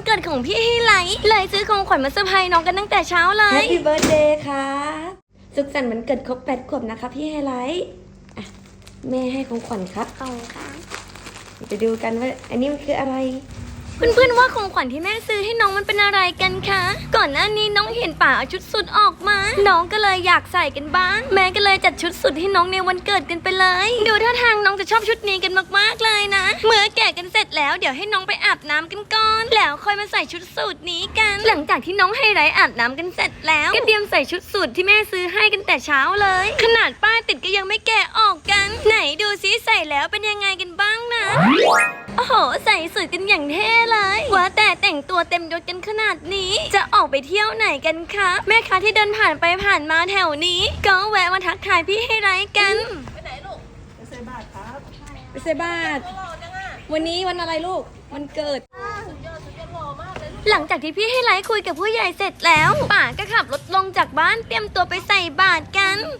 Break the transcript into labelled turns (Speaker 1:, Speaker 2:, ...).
Speaker 1: เกิดของพี่ให้ไลท์เลยซื้อของขวัญมาเซอร์ไพรส์น้องกันตั้งแต่เช้าเลย
Speaker 2: Happy Birthday ครับสุขสันต์วันเกิดครบ8 ขวบนะคะพี่ไฮไลท์อ่ะแม่ให้ของขวัญครับ
Speaker 1: ของค่ะ
Speaker 2: จะดูกันว่าอันนี้มันคืออะไร
Speaker 1: เพื่อนๆว่าของขวัญที่แม่ซื้อให้น้องมันเป็นอะไรกันคะก่อนหน้านี้น้องเห็นป่าเอาชุดสุดออกมาน้องก็เลยอยากใส่กันบ้างแม่ก็เลยจัดชุดสุดให้น้องในวันเกิดกันไปเลยดูท่าทางน้องจะชอบชุดนี้กันมากๆเลยนะเมื่อแกะกันเสร็จแล้วเดี๋ยวให้น้องไปอาบน้ำกันก่อนแล้วค่อยมาใส่ชุดสูทนี้กันหลังจากที่น้องไฮไลท์อาบน้ำกันเสร็จแล้วก็เตรียมใส่ชุดสูทที่แม่ซื้อให้กันแต่เช้าเลยขนาดป้ายติดก็ยังไม่แกะออกกันไหนดูซิใส่แล้วเป็นยังไงกันบ้างนะโอ้โหใส่สูทกันอย่างเท่เลยว่าแต่แต่งตัวเต็มยศกันขนาดนี้จะออกไปเที่ยวไหนกันคะแม่ค้าที่เดินผ่านไปผ่านมาแถวนี้ก็แวะมาทักทายพี่ไฮไลท์กัน
Speaker 2: ไปใส่บาตรวันนี้วันอะไรลูกวันเกิด
Speaker 1: หลังจากที่พี่ไฮไลท์คุยกับผู้ใหญ่เสร็จแล้วป่าก็ขับรถลงจากบ้านเตรียมตัวไปใส่บาตรกัน